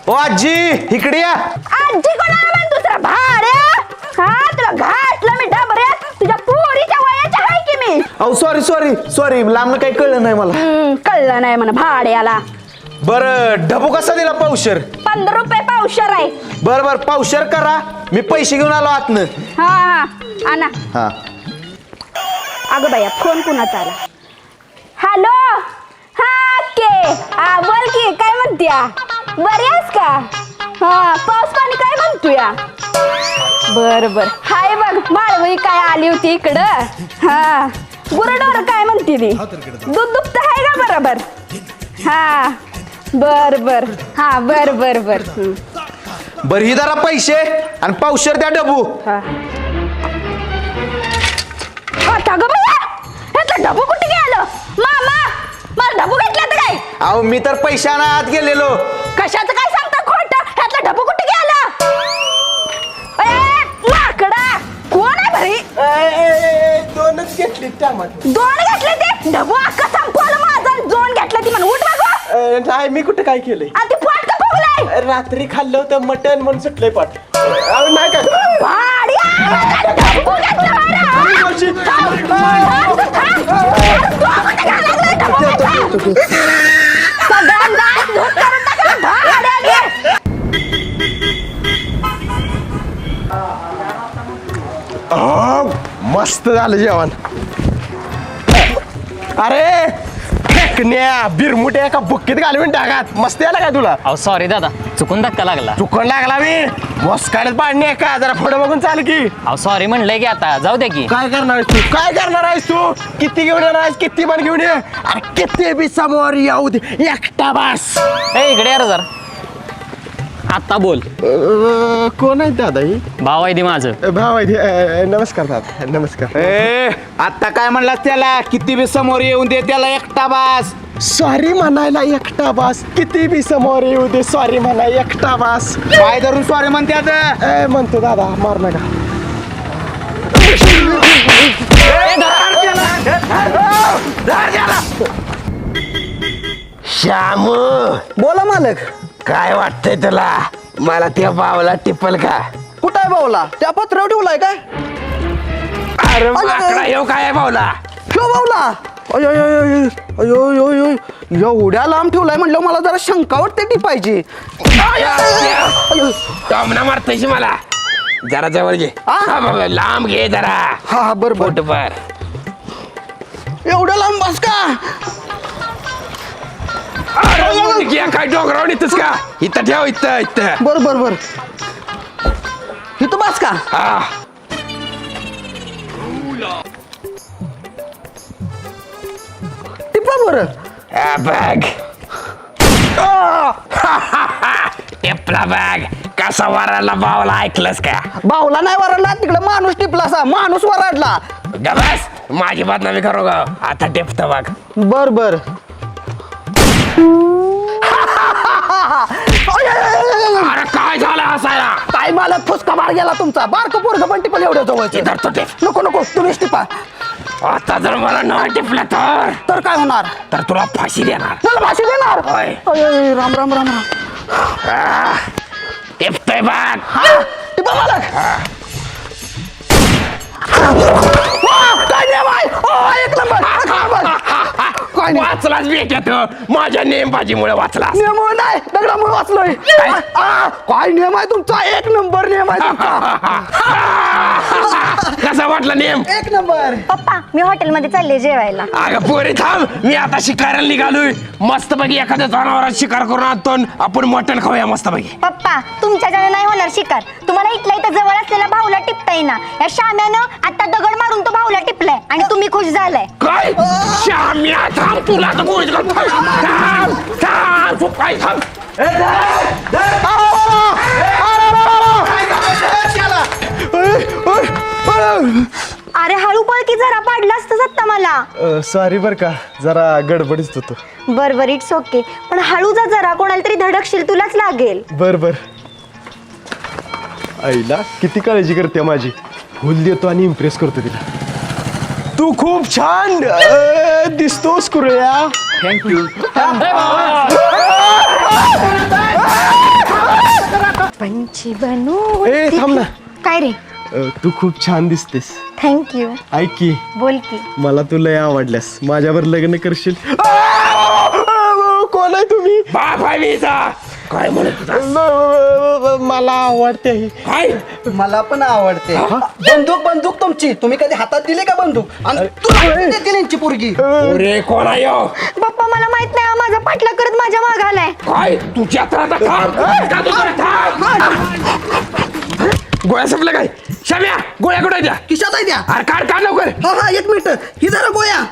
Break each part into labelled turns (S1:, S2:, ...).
S1: ओ आजी इकडे या.
S2: आजी कोणाला म्हण दुसरा भाड्या? हा तुला घातलं मी डबऱ्यात. तुझ्या पोरीच्या वयाच्या आहे की मी.
S1: अहो सॉरी लांब काही कळलं नाही मला.
S2: कळलं नाही म्हणा भाड्याला.
S1: बरं ढबू कसा दिला पावशर?
S2: 15 रुपये पावशर आहे.
S1: बर पावशर करा, मी पैसे घेऊन आलो आतनं.
S2: हा आणा.
S1: हा
S2: अगं बाया फोन कुणाचा आला? हॅलो हा के हा बोल की काय म्हणत्या? बरी आहेस का? हा पाऊस पाणी काय म्हणतोया? बर हाय बघ माळवई काय आली होती इकडं. हा गुरडोर काय म्हणते ती? दूध दुभत आहे का बरोबर? हा बर हा बर
S1: बर ही जरा पैसे आणि पावशर द्या ढबू.
S2: आता ग बया ह्यातलं ढबू कुठे गेलं? मामा मला ढबू घेतला तर काय?
S1: अहो मी तर पैशाने आत गेलेलो.
S2: कशाचं काय सांगता खोटं? ह्यातलं ढबू कुठे गेला? माकडा कोण आहे भरी?
S3: दोनच घेतली टमाटर.
S2: 2 घेतले ते ढबू अख्खा संपवलं माझं. 2 घेतलं ती म्हणून उठ बघ.
S3: नाही मी कुठे काय केलंय?
S2: आणि ते पोट का फुगलंय?
S3: रात्री खाल्लं होतं मटण म्हणून सुटलंय पाठ. नाही काय
S2: भाड्या ढबू घेतलं
S3: मस्त झालं जेवण. अरे फेकण्या बिरमुट्या एका बुक्कीत घालून टाकात. मस्त याला काय तुला?
S4: अहो सॉरी दादा, चुकून धक्का लागला.
S3: चुकून लागला मी. मस्काड्यात पाडणे आहे का? जरा पुढे बघून चाल की.
S4: अहो सॉरी म्हणलंय की आता जाऊ दे की.
S3: काय करणार आहेस तू? किती घेऊन येणार आहेस? किती पण घेऊन ये. अरे किती बी समोर येऊ दे, एकटा बस.
S4: इकडे यार जरा. आता बोल.
S3: कोण आहे दादा? ही
S4: भाव आहे ती माझं.
S3: भाव आहे. नमस्कार दादा. नमस्कार.
S1: आता काय म्हणला त्याला? किती बी समोर येऊन दे त्याला एकटा बास.
S3: सॉरी म्हणायला एकटा बस. किती बी समोर येऊ दे सॉरी म्हणा एकटा बस.
S1: पाय धरून सॉरी म्हणतात.
S3: म्हणतो दादा मार नका. श्यामू
S5: बोला मालक.
S3: काय वाटतंय तुला? मला त्या बावला टिपल का?
S5: कुठं आहे भाऊला? त्या पत्रावर ठेवलाय काय?
S3: अरे माकडा येऊ काय आहे बावला?
S5: ठेव भाऊला. अयो एवढ्या लांब ठेवलाय म्हणलं मला जरा शंका वाटते टिपायची.
S3: टॉमना मारतायची मला. जरा जवळ घे. लांब घे जरा.
S5: हा बरोबर.
S3: पोटभर.
S5: एवढ्या लांब बस का?
S3: काय डोंगरावर येतस का? इथं ठेव. इथं
S5: बर इथं बस का? टिपा बरं.
S3: बॅग. टेपला बॅग. कसा वराला बावला ऐकलंस का?
S5: भाऊला नाही वरडला, तिकडे माणूस टिपला असा. माणूस वरडला.
S3: गबस माझी बदनामी करू ग. आता टेपत बघ.
S5: बर
S3: अरे काय झालं हसायला?
S5: काय मालक फुसका मार गेला तुमचा. बारक पोरग पण टिपल एवढ्या जवळचे.
S3: धरतो टेप.
S5: नको तुम्हीच टिपा.
S3: आता जर मला न टिपलं
S5: तर काय होणार?
S3: तर तुला फाशी देणार.
S5: मला भाषी देणार.
S3: होय.
S5: राम.
S3: टिपतोय बघ.
S5: टिपा मालक. काय नियम आहे? एक नंबर. काय नियम?
S3: वाचलाच भेटत माझ्या नेमबाजीमुळे वाचला.
S5: नियम नाही दगडामुळे वाचलोय. काय नियम आहे तुमचा? एक नंबर नियम आहे तुमचा.
S3: कसा वाटला नेम?
S5: एक नंबर.
S2: पप्पा मी हॉटेलमध्ये चालले जेवायला.
S3: अगं पोरी थांब. मी आता शिकारायला निघालोय. मस्त पैकी एखाद्या जनावरात शिकार करून आणतो. आपण मटण खाऊया मस्त पैकी.
S2: पप्पा तुमच्याच्याने नाही होणार शिकार. तुम्हाला इथल्या इथं जवळ असलेला भाऊला टिपता येईना. या शाम्यानं आता दगड मारून तो भाऊला टिपलाय आणि तुम्ही खुश झालाय.
S3: काय? श्याम्या थांब. तुला तर गोळीच घालतो. थांब. तू काय थांब.
S2: अरे हळू पळ की जरा पाडलं असतं सत्ता मला.
S3: सॉरी बर का, जरा गडबडीत होतो.
S2: बर इट्स ओके. पण हळू जा जरा. कोणाला तरी धडकशील तुलाच लागेल.
S3: बर आईला किती काळजी करते माझी. फुल देतो आणि इम्प्रेस करतो तिला. तू खूप छान दिसतोस कुरळ्या.
S4: थँक्यू.
S2: पंछी बनू
S3: ए थांब ना.
S2: काय रे
S3: तू खूप छान दिसतेस.
S2: थँक्यू.
S3: ऐक की
S2: बोल की.
S3: मला तू लय आवडल्यास. माझ्यावर लग्न करशील? कोण आहे तुम्ही?
S5: काय म्हणत
S3: मला आवडते ही.
S5: काय
S6: मला पण आवडते. बंदूक तुमची तुम्ही कधी हातात दिली का बंदूक आणि तुला देतील यांची पोरगी.
S5: अरे कोण आहे ह्यो?
S2: पप्पा मला माहित नाही माझा पाठला करत माझ्या माग आलाय.
S5: काय तुझ्या गोळ्या संपल्या काय? शाम्या गोळ्या कुठे द्या?
S6: खिशात आहे द्या.
S5: अरे काढ काढ लवकर.
S6: हा 1 मिनिट ही जरा गोया.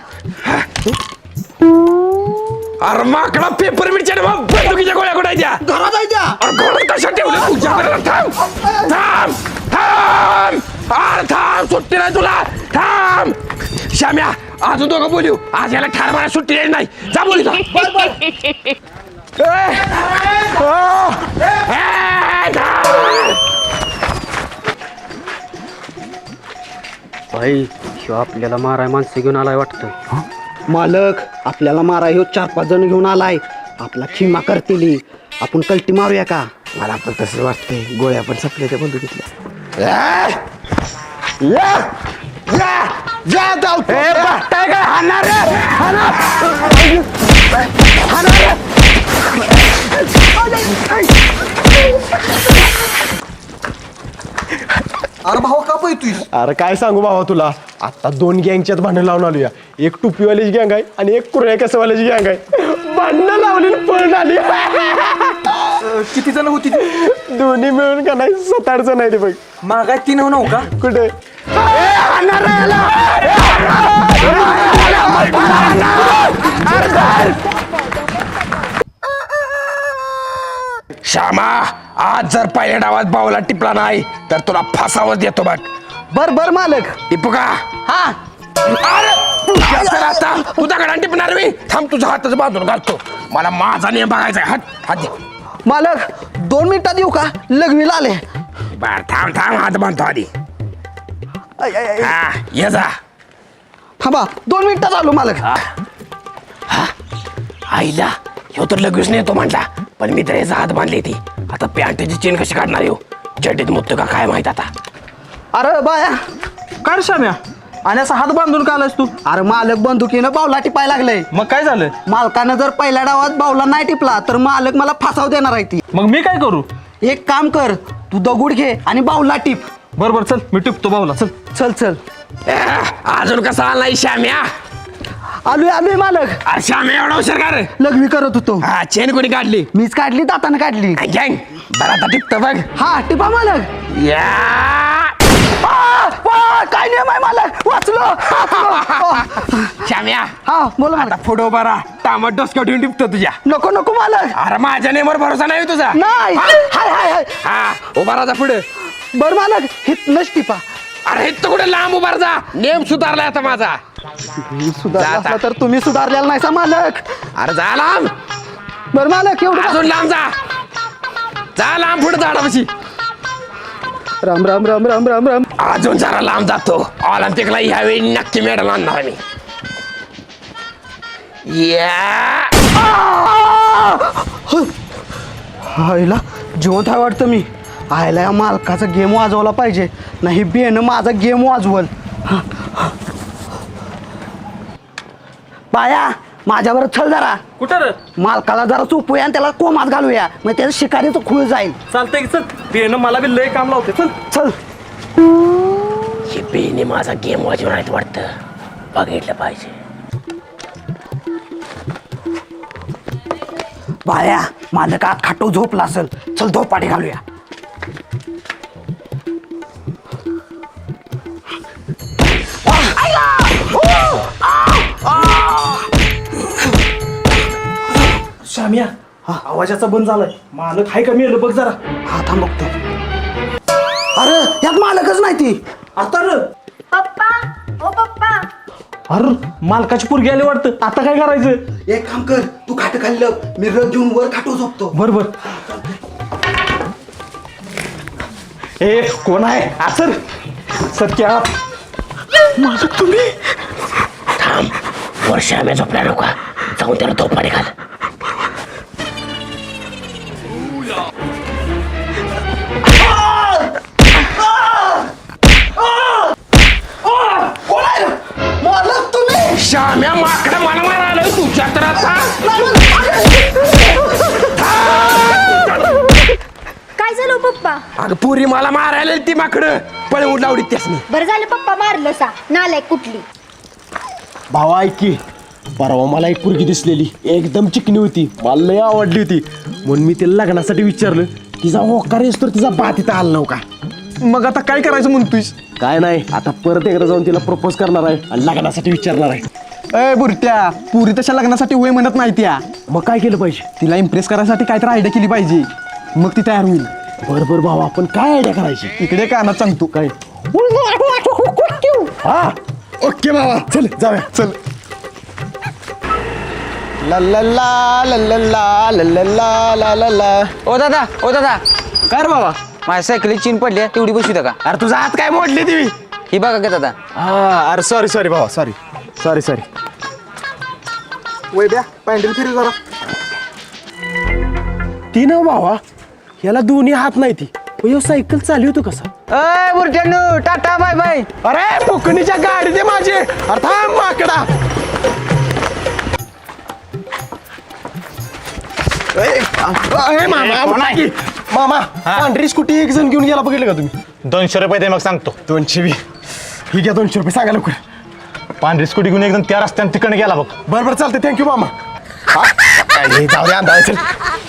S5: अरे माकडा पेपर मिरच्या बंदुकीच्या गोळ्या कुठे द्या?
S6: घरात आहे द्या.
S5: अरे गोळ्या कशा ठेवल्या तुझ्या घरात? थांब थांब थांब. अरे थांब सुट्टी नाही तुला. थांब शाम्या अजून दोघं बोलू. आज याला ठार मारा सुट्टी द्यायची नाही. जा बोलू जा.
S7: भाई ह्यो आपल्याला माराय माणसं घेऊन आलाय वाटतं.
S6: मालक आपल्याला मारा ह्यो 4-5 जण घेऊन आलाय. आपला खिमा करतील. आपण कल्टी मारूया का?
S3: मला पण तसं वाटतंय. गोळ्या पण संपल्या त्या बंदुकीतल्या. जा जाऊ.
S5: काय हाणार
S6: अरे भाऊ का पैतोय?
S3: अरे काय सांगू बाबा तुला. आता 2 गँगच्यात भांडण लावून आलोया. एक टोपीवाल्याची गँग आहे आणि एक कुरळ्या केसवाल्याची गँग आहे. भांडणं लावली पळून आली.
S6: किती जण होती?
S3: दोन्ही मिळून का नाही 7-8 जण आहे ते बघ.
S6: मागाय 3 हो का?
S3: कुठे?
S5: श्यामा आज जर पहिल्या डावात बावला टिपला नाही तर तुला फासावर देतो बघ.
S6: बर मालक.
S5: टिपू का?
S6: हा
S5: अरे तुझ्या तर आता तू दगडा टिपणार मी. थांब तुझ्या हाताचं बांधून घालतो. मला माझा नियम बघायचा आहे. हात दे.
S6: मालक 2 मिनिटात येऊ का? लग्नीला आले.
S5: बर थांब थांब हात बांधतो आधी. हा ये जा.
S6: थांबा 2 मिनिटात आलो मालक.
S5: आईला ह्यो तर लगेच नेतो म्हटला पण मी तर याचा हात बांधली ती. आता पॅन्टची चेन कशी काढणार येऊ? चड्डीत मुक्त का काय माहित आता.
S6: अरे बाया
S1: काढ शाम्या. आणि असा हात बांधून का आलास तू?
S6: अरे मालक बंदुकीनं बावला टिपाय लागलंय.
S1: मग काय झालं?
S6: मालकानं जर पहिल्या डावात बावला नाही टिपला तर मालक मला फासाव देणार आहे ती.
S1: मग मी काय करू?
S6: एक काम कर तू दगुड घे आणि बावला टिप.
S1: बरोबर चल मी टिपतो बावला. चल
S6: चल चल.
S5: अजून कसा आलाय श्याम्या?
S6: आलोय मालक.
S5: अरे श्याम्या एवढा हुशार का रे?
S6: लघवी करत होतो.
S5: हा चेन कोणी काढली?
S6: मीच काढली दातानं काढली.
S5: गँग बरं आता टिपतो बघ.
S6: हा टिपा मालक.
S5: या
S6: काय नियम आहे मालक? वाचलो.
S5: श्याम्या
S6: हा बोला
S5: आता
S6: मालक.
S5: फोटो बरा टामट डोसक्यावर ठेवून टिपतो तुझ्या.
S6: नको मालक.
S5: अरे माझ्या नेमवर भरोसा नाही हो तुझा.
S6: नाही. हाय हाय हाय.
S5: हा उभा राहा पुढे.
S6: बर मालक हितनच टिपा.
S5: अरे इथं कुठे लांब उभा जा. नेम सुधारलाय आता माझा.
S6: मी सुधारला
S5: जा
S6: असला
S5: आता.
S6: तर तुम्ही सुधारलेला नाही सा मालक.
S5: अरे जा लांब.
S6: बर मालक एवढं
S5: अजून लांब जा. जा लांब पुढे झाडापाशी.
S6: राम राम राम राम राम राम.
S5: अजून जरा लांब जातो. ऑलिम्पिकला ह्यावेळी नक्की मेडल आणणार मी. या
S6: आईला जिवंत आहे वाटतं मी. आयला या मालकाचा गेम वाजवला पाहिजे नाही बेन माझा गेम वाजवल. बाया माझ्यावर चल जरा.
S1: कुठं रे?
S6: मालकाला जरा चोपूया आणि त्याला कोमात घालूया मग त्याचं शिकारीचं खूळ जाईल.
S1: चालतंय की चल. बेन मला बी लय काम लावते. चल
S6: चल.
S5: हे बेने माझा गेम वाजवणार वाटतं. बघितलं पाहिजे.
S6: बाया मालकात खाटो झोपला असेल. चल झोपाटी घालूया.
S1: शाम्या आवाजाचा बंद झालाय. मालक हाय का मेलं बघ जरा.
S6: हा थांब बघतो. अरे यात मालकच नाही ती.
S1: आता र
S2: पप्पा ओ पप्पा.
S1: अरे मालकाची पोरगी आली वाटतं. आता काय करायचं?
S6: एक काम कर तू खाट खाल्लं मी रग घेऊन वर खाटो झोपतो.
S1: बरोबर. ए कोण आहे? सर सत्या मालक तुम्ही?
S5: थांब वर श्याम्या झोपल्या नका. जाऊन त्याला धोपाडी घाल. श्याम्या माकडा मला मारायला तुझ्या तर आता
S2: काय झालं पप्पा?
S5: अगं पुरी मला मारायला ती माकडं पळवून लावली त्यासनी.
S2: बरं झालं पप्पा मारलं सा नालायक कुठली.
S3: भावा ऐक की परवा मला एक पोरगी दिसलेली एकदम चिकनी होती मला लय आवडली होती म्हणून मी तिला लग्नासाठी विचारलं तिचा होकार येस तर तिचा बा तिथं आला नव्हता
S6: मग आता काय करायचं म्हणतोयस?
S3: काय नाही आता परत एकदा जाऊन तिला प्रपोज करणार आहे आणि लग्नासाठी विचारणार आहे
S6: ए बुरट्या पुरी तशा लग्नासाठी होय म्हणत नाही त्या.
S3: मग काय केलं पाहिजे
S6: तिला इम्प्रेस करायसाठी काहीतरी आयडिया केली पाहिजे मग ती तयार होईल.
S3: बरोबर भावा आपण काय आयडिया करायची
S6: इकडे कानात सांगतो
S3: काय हा ओके बाबा चल जाऊया चल ला ला ला ला ला ला ला ला ला ला ला ला.
S4: ओ दादा
S3: काय रे बाबा
S4: माझ्या सायकली चीन पडली आहे, तेवढी बसू का?
S3: अरे तुझा हात काय मोडली ती
S4: ही बघा का दादा.
S3: हा अरे सॉरी भावा सॉरी
S6: वैद्या पॅन्डल फिरी जरा.
S3: ती ना भावा याला दोन्ही हात नाही ती ह्यो सायकल चालवतो कसा
S4: अय बुरट्यानो टाटा बाय बाय.
S3: अरे फुकणीच्या गाडी दे माझी अरे थांब माकडा मामा पांढरी स्कूटी एक जण घेऊन गेला बघितलं का तुम्ही
S8: 200 रुपये दे मग सांगतो.
S3: 200 बी ही घ्या 200 रुपये सांगा लवकर
S8: पांढरी स्कूटी घेऊन एकदम त्या रस्त्याने तिकडे गेला बघ.
S3: बरं चालते थँक्यू मामा हा? काय जाऊ दे अंदाज चल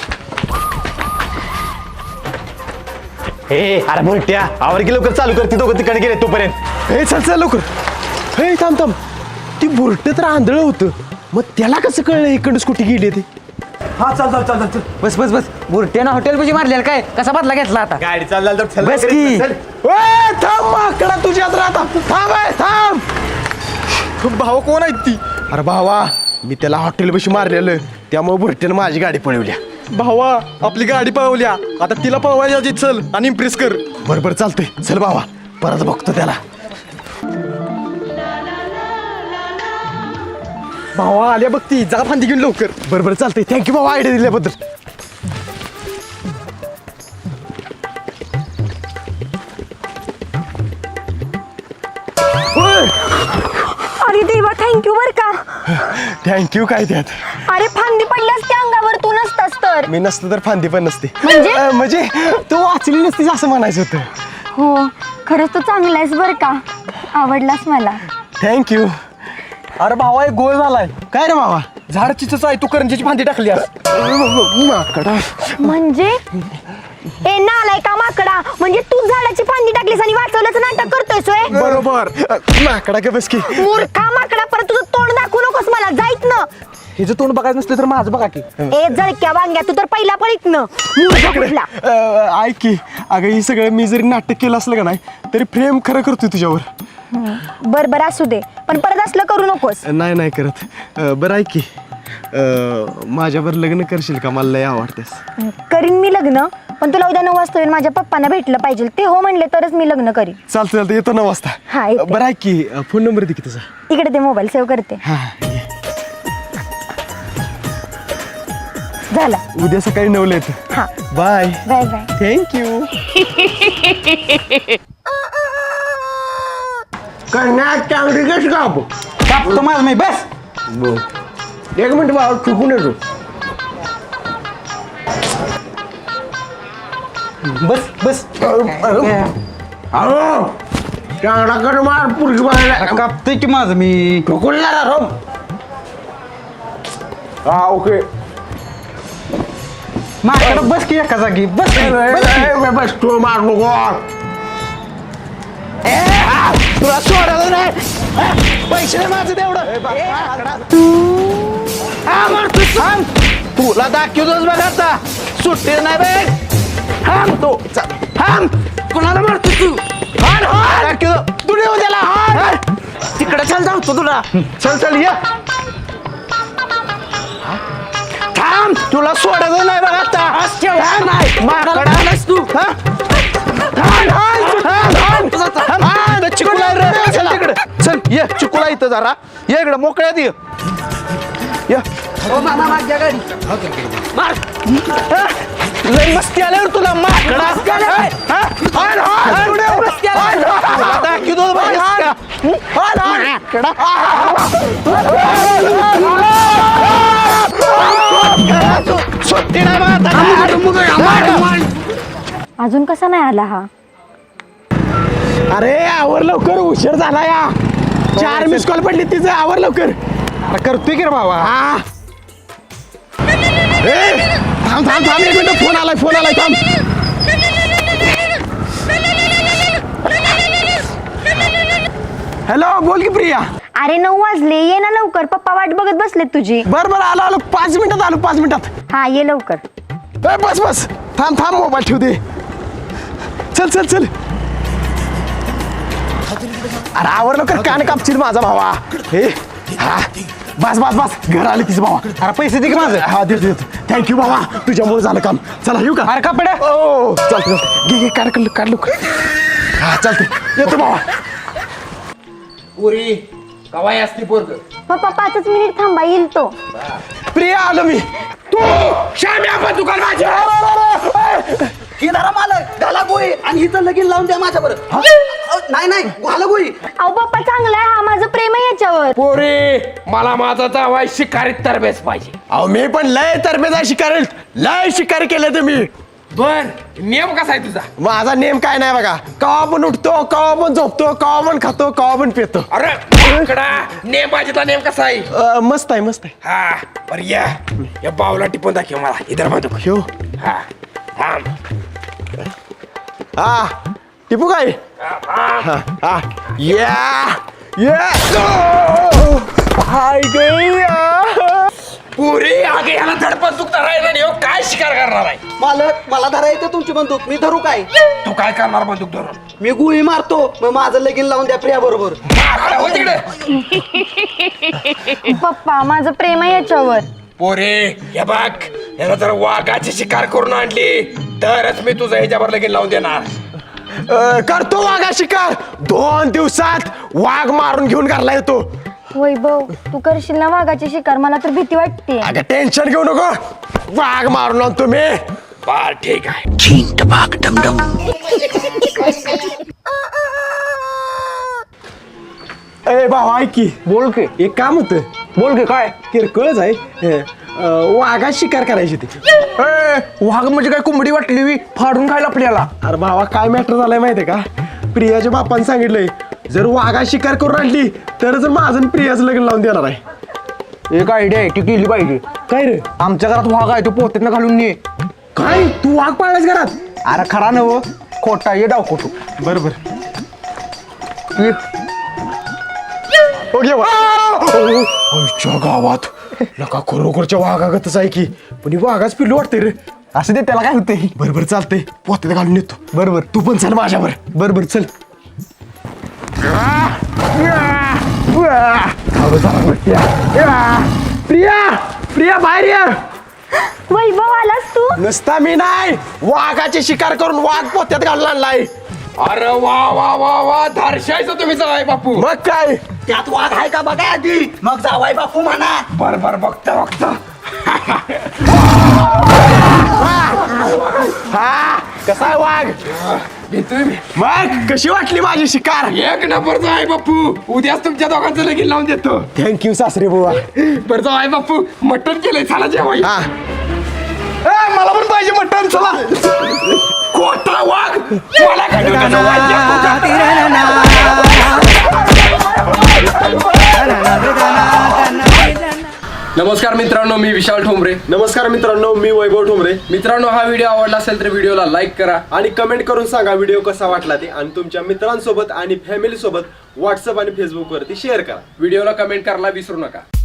S8: हे अरे बोलट्या आवर की लवकर चालू कर ती दोघं तिकडे गेले तोपर्यंत.
S3: हे चल लवकर हे थांब ती बुरट तर आंधळ होतं मग त्याला कसं कळलं इकडं स्कूटी गेली ती
S6: हा चल.
S4: बस बुरट्यानं हॉटेल पैसे मारलेलं काय कसा बदला घेतला आता.
S8: गाडी चालला तर
S4: बस की.
S3: थांब माकडा तुझ्यात राहता थांब भावा कोण आहेत ती अरे भावा मी त्याला हॉटेल बशी मारलेलं त्यामुळे बुरट्यानं माझी गाडी पळवल्या
S6: भावा आपली गाडी पळवल्या आता तिला पळवायची चल आणि इम्प्रेस कर.
S3: बरोबर चालतंय चल भावा परत बघतो त्याला
S6: भावा आल्या बघ ती जा फांदी घेऊन लवकर.
S3: बरोबर चालतंय थँक्यू भावा आयडिया दिल्याबद्दल.
S2: अरे देवा थँक्यू बर का.
S3: थँक्यू काय त्यात
S2: अरे फांदी पडल्यास त्या अंगावर तू नसतास तर.
S3: मी नसतं तर फांदी पण नसते
S2: म्हणजे?
S3: म्हणजे तू वाचली नसतीस असं म्हणायचं होतं.
S2: हो खरंच तू चांगला आहेस बर का. आवडलास मला.
S3: थँक्यू
S6: अरे भावा एक गोळ झालाय.
S3: काय रे भावा
S6: झाड चिचच आहे तू करंजीची फांदी टाकली आज.
S3: माकडा
S2: म्हणजे ए नालाय का माकडा म्हणजे तू झाडाची फांदी टाकलीस आणि वाचवल्याचं नाटक करतोय सोय.
S3: बरोबर माकडा का बस की
S2: मूर्खा माकडा परत तुझं तोंड दाखवू नकोस मला जाईत ना.
S6: हिचं तोंड बघायचं नसलं तर माझं बघा की.
S2: ए जळक्या वांग्या तू तर पहिला पळीत न मूर्ख कुठला.
S3: ऐक की अगं ही सगळं मी जरी नाटक केलं असलं का नाही तरी प्रेम खरं करतोय तुझ्यावर.
S2: बर असू दे पण परत असलं करू नकोस.
S3: नाही करत बरं ऐक की माझ्यावर लग्न करशील का मला लय आवडतेस.
S2: करीन मी लग्न पण तुला उद्या 9 वाजता येऊन माझ्या पप्पांना भेटलं पाहिजे ते हो म्हणले तरच मी लग्न करीन.
S3: चालतं येतो 9 वाजता.
S2: हा, येते.
S3: बरं ऐक की फोन नंबर दे की तुझा.
S2: इकडे ते मोबाईल सेव्ह करते.
S3: हा
S2: झाला.
S3: उद्या सकाळी 9ला येतो.
S2: हा
S3: बाय
S2: बाय बाय.
S3: थँक्यू
S6: कापतो माझं मी बस.
S3: एक मिनिट बाबा चुकून येतो.
S6: बस
S3: चांगला कर मार पुरगी बाहेर
S6: कापतोय की माझं मी.
S3: ठोकूनला रोम. हा ओके
S6: माझ्याकडे बस की एका जागी बस की.
S3: बस तू मार नको तुला सोडायला नाही पैसे माझं तेवढं
S1: तुला दाखवतोच बघ आता सुट्टी नाही बे. थांब तो थांब कोणाला मारतो तू. दाखवतो तू नेऊ त्याला तिकडे चल जाऊ तुला चल ये थांब तुला सोडायचं नाही बघ आता. नाही माकडा तू चिकुला चल तिकडे चल ये चिकुला इथं जरा ये इकडे मोकळ्यात ये. लय मस्ती आल्यावर तुला माकडा दाखवतो
S2: अजून कसा नाही आला हा?
S3: अरे आवर लवकर, उशीर झाला या. 4 मिस कॉल पडली तिचं, आवर लवकर.
S8: करतोय की रे भावा.
S3: हा थांब थांब थांब, एक मिनिट, फोन आलाय थांब. हॅलो, बोल की प्रिया.
S2: अरे 9 वाजले, ये ना लवकर, पप्पा वाट बघत बसलेत तुझी.
S3: बरं आलो 5 मिनिटात आलो, 5 मिनिटात.
S2: हा ये लवकर.
S3: बस थांब मोबाईल ठेवू दे. चल अरे आवर लवकर, कान कापशील माझा भावा. हे हा बस घर आले तिचं भावा.
S8: अरे पैसे दे की माझं.
S3: हा देतो थँक्यू भावा, तुझ्यामुळे झालं काम. चला येऊ का?
S8: अरे कपडे.
S3: ओ चालतं घे काढ लवकर. हा चालते, येतो भावा.
S5: पुरी कवाय असती पोरग.
S2: पप्पा 5 मिनिट थांबा, येईल तो.
S3: प्रिया आलो मी.
S5: तू श्याम्या पण दुकान माझ्या.
S6: ही धरा मालक, घाला गोळी आणि हिचं लगीन लावून द्या माझ्यावर. नाही घाला गोळी.
S2: अहो पप्पा चांगला आहे हा, माझं प्रेम आहे याच्यावर.
S5: पोरी मला माझा जावाय शिकारीत तरबेज पाहिजे.
S3: अहो मी पण लय तरबेजा शिकारी केलं तुम्ही.
S5: बर नियम कसा आहे तुझा?
S3: माझा नेम काय नाही बघा. कवा पण उठतो, कवा पण झोपतो, कवा पण खातो, कवा पण पितो.
S5: अरे इकडा नेम पाहिजेतला नेम कसा आहे?
S3: मस्त आहे.
S5: हा बर या बावला टिपून दाखव मला. इधर बंदूक.
S3: ह्यो
S5: हा थांब.
S3: हा टिपू काय? हा हाय गया.
S5: पुरी आगे ह्याला धड बंदूक धरायला नाही हो. काय शिकार करणार आहे?
S6: मालक मला धरा येते तुमची बंदूक, मी धरू काय?
S5: तू काय करणार बंदूक धरून?
S6: मी गुळी मारतो, मग माझं लगीन लावून द्या प्रिया बरोबर.
S5: हो तिकडे.
S2: पप्पा माझं प्रेम आहे याच्यावर.
S5: पोरे हे बघ, याला जर वाघाची शिकार करून आणली तरच मी तुझं ह्याच्यावर लगीन लावून देणार.
S3: करतो वाघा शिकार. 2 दिवसात वाघ मारून घेऊन घरला येतो.
S2: वैभव तू करशील ना वाघाची शिकार? मला तर भीती वाटते.
S3: अगं टेन्शन घेऊ नको, वाघ मारून आणतो मी.
S5: बर ठीक आहे.
S3: ए भावा ऐक की.
S8: बोल की.
S3: एक काम होतं.
S8: बोल की काय.
S3: किरकोळच आहे. वाघा शिकार करायची ती.
S8: वाघ म्हणजे काय कोंबडी वाटली फाडून खायला आपल्याला.
S3: अरे भावा काय मॅटर झालाय माहितीये का? प्रियाच्या बापाने सांगितलंय जर वाघा शिकार करून आणली तरच माझं आणि प्रियाचं लग्न लावून देणार आहे.
S8: एक आयडिया आहे ती केली पाहिजे.
S3: काय रे?
S8: आमच्या घरात वाघ आहे तो पोत्यानं घालून ये.
S3: काय तू वाघ पाळलास घरात?
S8: अरे खरा नव खोटा ये डाव खोटू.
S3: बरोबर. गावात नका खरोखरच्या वाघागतच आहे की, पण ही वाघाच पिल्लू वाटते रे.
S8: असं दे त्याला काय होतंय.
S3: बरोबर चालतंय, पोत्यात घालून येतो.
S8: बरोबर.
S3: तू पण चल माझ्यावर.
S8: बरोबर चल.
S3: प्रिया बाहेर या.
S2: वैभव आलास तू?
S3: नुसता मी नाही, वाघाची शिकार करून वाघ पोत्यात घालून आणलाय.
S5: अरे वा वा वा वा धारशायचं तुम्ही जावाय बापू.
S3: मग काय?
S6: त्यात वाघ आहे का बघा आधी, मग जावाय बापू म्हणा.
S5: बर बघता.
S3: हा कसा आहे वाघ?
S5: घेतोय मी.
S3: मग कशी वाटली माझी शिकार?
S5: एक नंबरचा आहे बापू. उद्याच तुमच्या दोघांचं लगीन लावून देतो.
S3: थँक्यू सासरे बुवा.
S5: बरं जावाय बापू, मटण केलंय चला जेवाय.
S3: हा मला पण पाहिजे मटण. चला.
S5: खोटा वाघ मला काय त्याचं वाघ नमस्कार मित्रांनो, मी विशाल ठोंबरे.
S3: नमस्कार मित्रांनो, मी वैभव ठोंबरे.
S5: मित्रांनो हा व्हिडिओ आवडला असेल तर व्हिडिओला लाईक करा
S3: आणि कमेंट करून सांगा व्हिडिओ कसा वाटला ते, आणि तुमच्या मित्रांसोबत आणि फॅमिली सोबत व्हॉट्सअप आणि फेसबुक वरती शेअर करा.
S5: व्हिडिओला कमेंट करायला विसरू नका.